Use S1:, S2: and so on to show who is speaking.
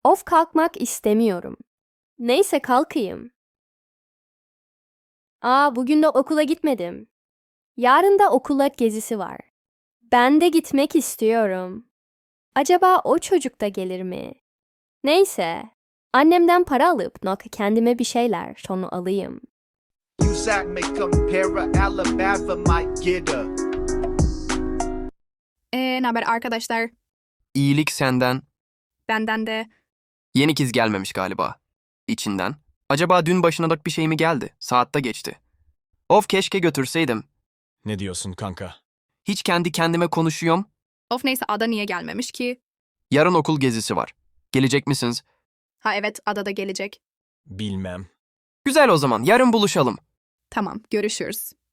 S1: Of kalkmak istemiyorum. Neyse kalkayım. Bugün de okula gitmedim. Yarın da okula gezisi var. Ben de gitmek istiyorum. Acaba o çocuk da gelir mi? Neyse. Annemden para alıp kendime bir şeyler sonra alayım.
S2: USAC may compare Alabama might get her.
S3: Ne haber arkadaşlar?
S4: İyilik senden.
S3: Benden de.
S4: Yeni kız gelmemiş galiba. İçinden. Acaba dün başına da bir şey mi geldi? Saatte geçti. Of keşke götürseydim.
S5: Ne diyorsun kanka?
S4: Hiç kendi kendime konuşuyorum.
S3: Of neyse Ada niye gelmemiş ki?
S4: Yarın okul gezisi var. Gelecek misiniz?
S3: Ha evet Ada da gelecek.
S5: Bilmem.
S4: Güzel o zaman. Yarın buluşalım.
S3: Tamam görüşürüz.